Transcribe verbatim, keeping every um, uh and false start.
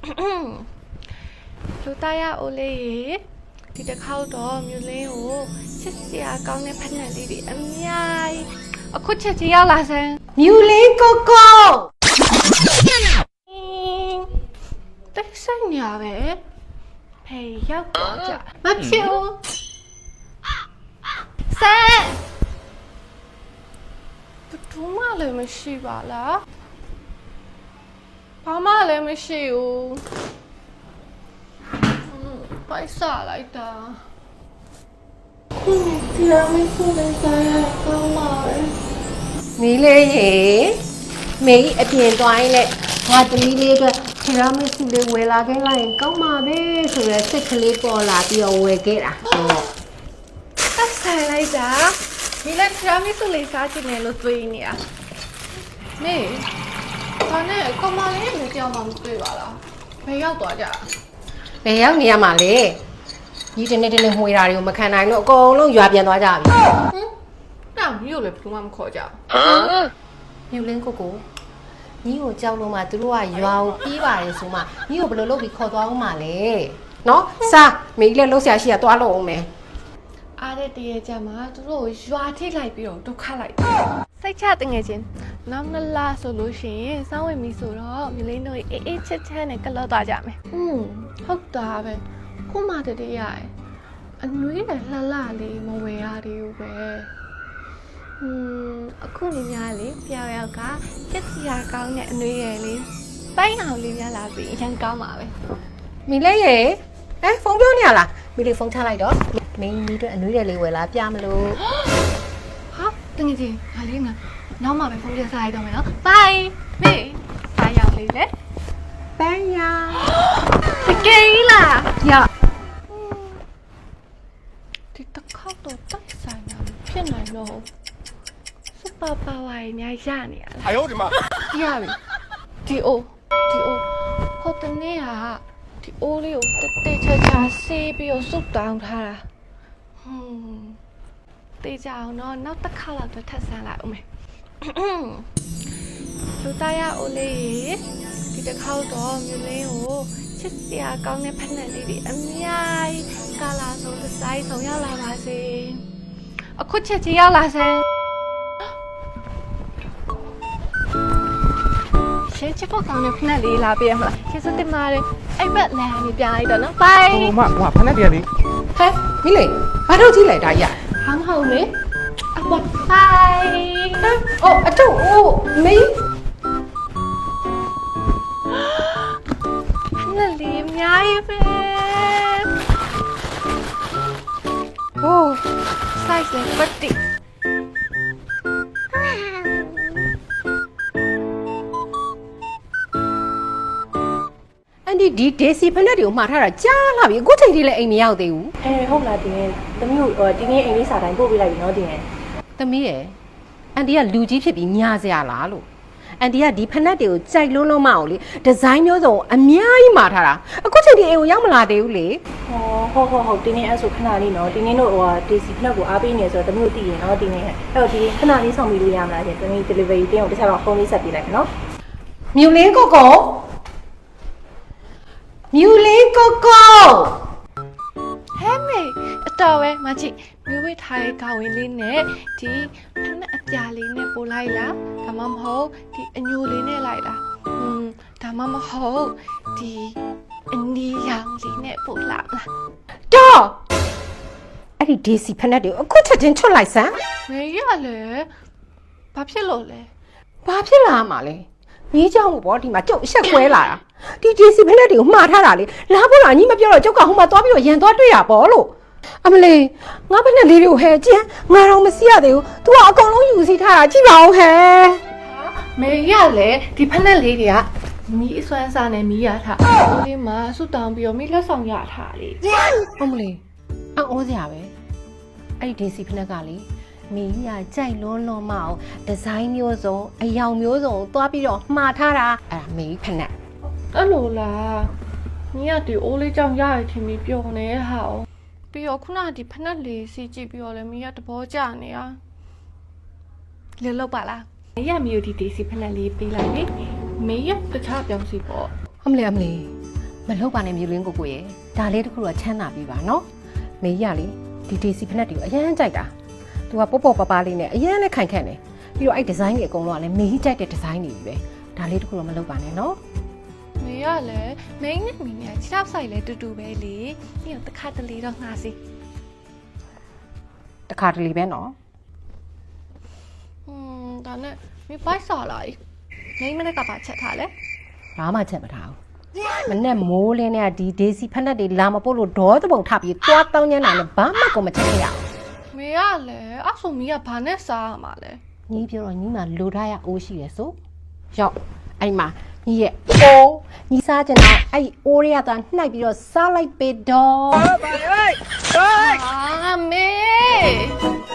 လူသားရအိုလေးရေဒီတစ်ခေါက်တော့မြူလင်းကိုချစ်စရာကောင်းတဲ့ဖက်နယ်လေးတွေအများကြီးအခုချက်ချင်းရောက်လာစမ်းမြူလင်းကိုကိုတိတ်ဆိတ်ညာပဲဖေးရောက်တော့ကြမဖြစ်ဘူးဆန်တူမလည်းမရှိပါလားဘာမှလည်းမရှိဘူးပိုက်စားလိုက်တာဒီလိုမျိုးဆိုတဲ့ဆိုင်ရကောင်းပါပဲမီးလေးရေမေးအပြင်သွားရင်လည်းငါသမီးလေးအတွက်ခရမစ်စုလေးဝယ်လာခဲ့လိုက်ရင်ကောင်းပါပဲဆိုရယ်စိတ်ကလေးပေါ်လာပြီးတော့ဝယ်ခဲ့တာဆိုတော့တက်ဆိုင်လိုက်တာဒီလက်ထရာမီဆိုလေးစားချင်တယ်လို့တွေးနေတာမေဘာနဲ့ကမလေးလည်းကြောက်မှမတွေ့ပါလားဘယ်ရောက်သွားကြဘယ်ရောက်နေရမှာလဲညီတနေ့တနေ့မှွေတာတွေကိုမခံနိုင်လို့အကုန်လုံးရွာပြန်သွားကြပြီဟမ်တောင်မြို့လည်းဘယ်သူမှမခေါ်ကြဘူးမြူလင်းကိုကိုညီကိုကြောက်လို့မှသူတို့ကရွာကိုပြေးပါတယ်ဆိုမှညီကိုဘယ်လိုလုပ်ပြီးခေါ်သွားအောင်မလဲနော်စားမေးလည်းလှုပ်ရှားရှိရသွားလို့အောင်မယ်အားတဲ့တရေကြမှာသူတို့ကိုရွာထိလိုက်ပြီးတော့ဒုက္ခလိုက်စိတ်ချတငယ်ချင်းနောက်နှစ်လဆိုလို့ရှိရင်စောင်းဝင်ပြီဆိုတော့မြလင်းတို့အေးအေးချစ်ချစ်နဲ့ကလော့သွားကြမယ်อืมဟုတ်တာပဲခုမှတည်းရရဲ့အနွေးနဲ့လှလှလေးမဝယ်ရသေးဘူးပဲอืมအခုနေများလေပြောင်ရောက်ကချစ်စရာကောင်းတဲ့အနွေးရယ်လေးပိုင်းအောင်လေးများလာပြီးအရင်ကောင်းပါပဲမီလေးရေအဲဖုန်းပြောနေရလားမီလေးဖုန်းချလိုက်တော့မင်းမီတို့အနွေးတယ်လေးဝယ်လာပြမလို့ဟာတကယ်ကြီးငါလေးငါနောက်မှပဲဖုန်းပြန်စားရတော့မယ်နော် bye မေးစားရောက်လေးလေပန်းရတကယ်လားရဒီတစ်ခေါက်တော့တက်ဆိုင်တာဖြစ်နိုင်တော့စူပါပါဝါရညာရနေရလား哎呦我的妈！ ရပြီဒီအိုဒီအိုဟိုတနေ့ကဒီအိုးလေးကိုတက်တက်ချာချာဆေးပြီးတော့စုတောင်းထားတာဟွန်းတေးကြအောင်တော့နောက်တစ်ခါလောက်တော့ထပ်ဆန်းလိုက်ဦးမယ်လူသားရအိုလေးရေဒီတစ်ခေါက်တော့မြူလင်းကိုချစ်စရာကောင်းတဲ့ဖက်နယ်လေးတွေအများကြီးကာလာဆုံးဒီဇိုင်းဆုံးရောက်လာပါစေအခုချက်ချင်းရောက်လာစမ်းရှင်းချစ်ဖို့ကောင်းတဲ့ဖက်နယ်လေးလာပေးရမလားကျေးဇူးတင်ပါတယ်အဲ့ဘက်လမ်းကြီးပြလိုက်တော့နော် bye 我妈哇，潘那爹哩， ဟဲ့မီလေးဘာလို့ကြည့်လိုက်တာရဟောင်းဟောင်းလေအပေါ် bye အော်အတူအိုးမင်းဖက်နယ်လေးအများကြီးပဲโอ้ size လည်းပတ်တိအန်ဒီဒီဒေစီဖက်နဲ့တွေကိုမှားထားတာကြားလာပြီအခုချိန်ထိလည်းအိမ်မရောက်သေးဘူးအဲဟုတ်လားတင်ရဲ့သမီးကိုတင်းငယ်အိမ်လေးစာတိုင်းပို့ပေးလိုက်ပြီနော်တင်ရဲ့သမီးရယ်အန်ဒီကလူကြီးဖြစ်ပြီးညာစရာလားလို့အန်ဒီကဒီဖက်နဲ့တွေကိုကြိုက်လုံးလုံးမအောင်လေဒီဇိုင်းမျိုးစုံအများကြီးမှားထားတာအခုချိန်ထိအိမ်ကိုရောက်မလာသေးဘူးလေဟောဟုတ်ဟုတ်ဟုတ်တင်းငယ်အဲ့ဆိုခဏလေးနော်တင်းငယ်တို့ဟိုဒေစီဖက်ကိုအားပေးနေဆိုတော့သမီးတို့တည်ရင်နော်တင်းငယ်အဲ့တော့ဒီခဏလေးဆောင်ပြီးလို့ရမလားရှင်သမီး delivery တင်းကိုတခြားတော့ဖုန်းလေးဆက်ပေးလိုက်မယ်နော်မြူလင်းကိုကိုမြူလင်းကိုကိုဟဲ့မေအတော်ပဲမချီမျိုးဝေးထားတဲ့ကောင်းဝင်လေးနဲ့ဒီဖက်နဲ့အပြာလေးနဲ့ပို့လိုက်လားဒါမှမဟုတ်ဒီအညိုလေးနဲ့လိုက်လားอืมဒါမှမဟုတ်ဒီအနီရောင်လေးနဲ့ပို့လာလားတော့အဲ့ဒီဒေစီဖက်နဲ့တွေကိုအခုချက်ချင်းချွတ်လိုက်စမ်းမေရလေဘာဖြစ်လို့လဲဘာဖြစ်လာမှာလဲမီးကြောင်ကိုပေါ့ဒီမှာကျုပ်အဆက်ကွဲလာတာဒီဒေစီဖက်နဲ့တွေကိုမှားထားတာလေလားဖို့လားညီမပြောတော့ကျုပ်ကဟိုမှာသွားပြီးတော့ရန်သွားတွေ့ရပေါ့လို့အမလေးငါဖက်နဲ့လေးတွေကိုဟဲကျန်းငါတော့မစီရသေးဘူး तू ကအကုန်လုံးယူစီထားတာကြည့်ပါဦးဟဲမေရလေဒီဖက်နဲ့လေးတွေကမီးအစွမ်းစားနဲ့မီးရထားဦးလေးမှာဆွတောင်းပြီးတော့မီးလက်ဆောင်ရထားလေအမလေးအော်အိုးစရာပဲအဲ့ဒီဒေစီဖက်နဲ့ကလေမီးရကြိုက်လွန်းလွန်းမအောင်ဒီဇိုင်းမျိုးစုံအယောင်မျိုးစုံကိုသွားပြီးတော့မှားထားတာအဲ့ဒါမီးဖက်နဲ့အဲ့လိုလားညီကဒီအိုးလေးကြောင့်ရရထင်ပြီးပျော်နေဟာပြီးတော့ခုနကဒီဖက်နဲ့လေးစီကြည့်ပြီးတော့လည်းမီးရတဘောကြနေတာလေလောက်ပါလားမီးရမီကိုဒီဒေစီဖက်နဲ့လေးပေးလိုက်ပြီမီးရတခြားပြောင်းစီပေါ့အမလေးအမလေးမလုပ်ပါနဲ့မြူလင်းကိုကိုရဲ့ဒါလေးတစ်ခုတော့ချမ်းသာပြီပါနော်မေကြီးကလေဒီဒေစီဖက်တွေကိုအရန်ကြိုက်တာသူကပေါ့ပေါ့ပပလေးနဲ့အရန်လည်းခိုင်ခန့်တယ်ပြီးတော့အဲ့ဒီဇိုင်းတွေအကုန်လုံးကလည်းမေကြီးကြိုက်တဲ့ဒီဇိုင်းတွေပဲဒါလေးတစ်ခုတော့မလုပ်ပါနဲ့နော်မေရလည်းမိန်းနဲ့မိန်းနဲ့ခြေထောက်ဆိုင်လဲတူတူပဲလေပြီးတော့တစ်ခါတလေတော့ငှားစီတခါတလေပဲနော်ဟွန်းဒါနဲ့မေဘိုက်စားလာမိန်းမနဲ့ကပါချက်ထားလဲဘာမှချက်မထားဘူးမနဲ့မိုးလင်းနဲ့ဒီဒေစီဖက်တွေလာမပို့လို့ဒေါသပုံထပြီးသွားတောင်းညမ်းတာနဲ့ဘာမှကိုမချက်ခဲ့ရအောင်မေရလည်းအဲ့ဆိုမီးကဘာနဲ့စားရမှာလဲညီပြောတော့ညီမလိုထားရအိုးရှိရဆိုရောက်အဲ့မှာညီရဲ့အိုးညီစားကျင်တော့အဲ့အိုးရရတာနှိုက်ပြီးတော့စားလိုက်ပေတော့အာမေ